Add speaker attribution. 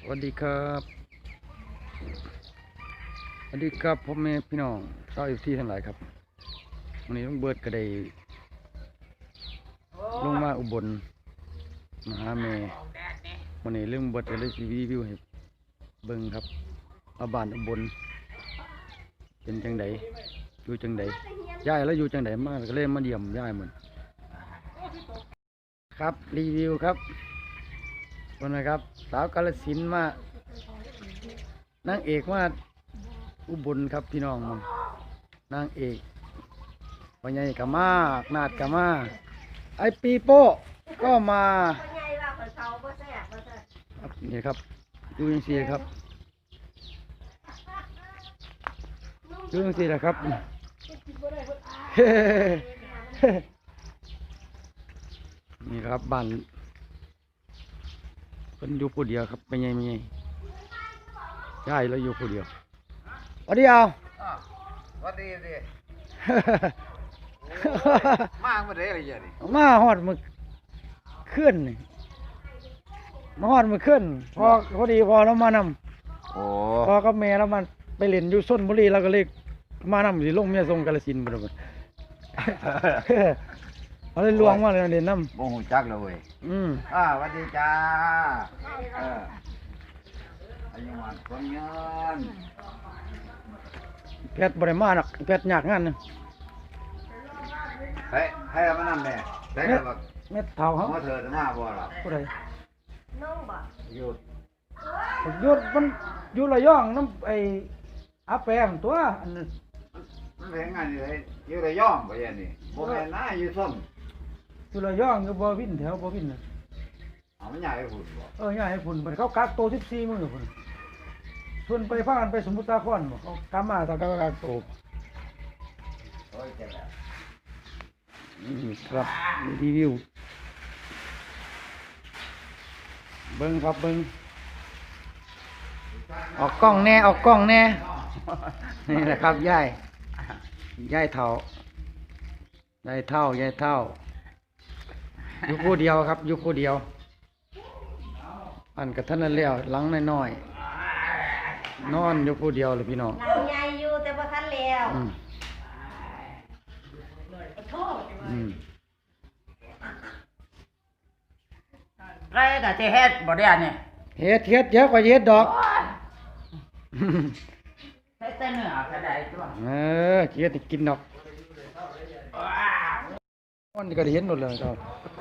Speaker 1: สวัสดีครับสวัสดีครับพ่อแม่พี่น้องชาวที่ทั้งหลายครับวันนี้ต้องเบิดกระไดลงมาอุบลมาหาแม่วันนี้เรื่องเบิดก็เลยรีวิวให้เบิ่งครับเอาบ้านอุบลเป็นจังไดอยู่จังไดย้ายแล้วอยู่จังไดมากก็เลยมาเยี่ยมย้ายเหมือนครับรีวิวครับวันนะครับสาวกาฬสินธุ์มานางเอกมาอุบลครับพี่น้องนางเอกวันใหญ่กะมานาดกะมาไอปีโป้ก็มาครับนี่ครับดูยังสีครับดูยังสีนะครับนี่ครับบ้านเป็นอยู่ผู้เดียวครับไม่ใหญ่ใช่แล้วอยู่ผู้เดียววันเดียว
Speaker 2: วันดีดิมาเมื่อไรอะไรอย่างนี้
Speaker 1: มาฮอดมือขึ้นมาฮอดมือขึ้นพอดีพอเรามานำ
Speaker 2: โอ้
Speaker 1: พอกับแม่แล้วมันไปเล่นอยู่ชลบุรีเราก็เลยมานำสิลงเมียทรงกาฬสินธุ์บ่ดเอาเลยลวงมาเลยเล่นน้ำ
Speaker 2: โมโหจักเลยเว้ยวันดีจ้าอายุวันคนเงิน
Speaker 1: แพทย์บริมาหนักแพทย์ยากงานนึง
Speaker 2: ให้เรามานั่งแม่ได้กับ
Speaker 1: เม็ดเท่าเขา
Speaker 2: เธอจะมาบ่หรอ
Speaker 1: ผู้ใด
Speaker 2: น้องบ่หยุด
Speaker 1: มันอยู่ระย่องน้ำอาแปมตัวอันนั้น
Speaker 2: มันเป็นงานเลยอยู่ระย่องไปยันนี่โมแม่น่าอยู่ส้ม
Speaker 1: อยู่ระย่องอยู่บ่วินแถวบ่วินน่ะ
Speaker 2: มันใหญ่ให้ฝุ่น
Speaker 1: บ่ใหญ่ให้ฝุ่นเขากักโต14มื้อพุ่นชวนไปพากันไปสมุทรสาครบ่เขากำมาตะกักโตครับรีวิวเบิ้งครับเบิ้งออกกล้องแน่นี่แหละครับยายเท่าอยู่ผู้เดียวครับอยู่ผู้เดียวอันกับท่านนั่นแล้วหลังน้อยนอนอยู่ผู้เดียวเลยพี่น้อง
Speaker 3: หลังใหญ่อยู่แต่ว่าทันแล้ว
Speaker 4: ไรก็จะเฮ็ดบ่ได้เนี่ย
Speaker 1: เฮ็ดเยอะกว่าเฮ็ดดอก
Speaker 4: เฮ็ดแต่เนื้อก็ได้ตัว
Speaker 1: เฮ็ดกินดอกมันก็ได้เห็นหมดเลยครับ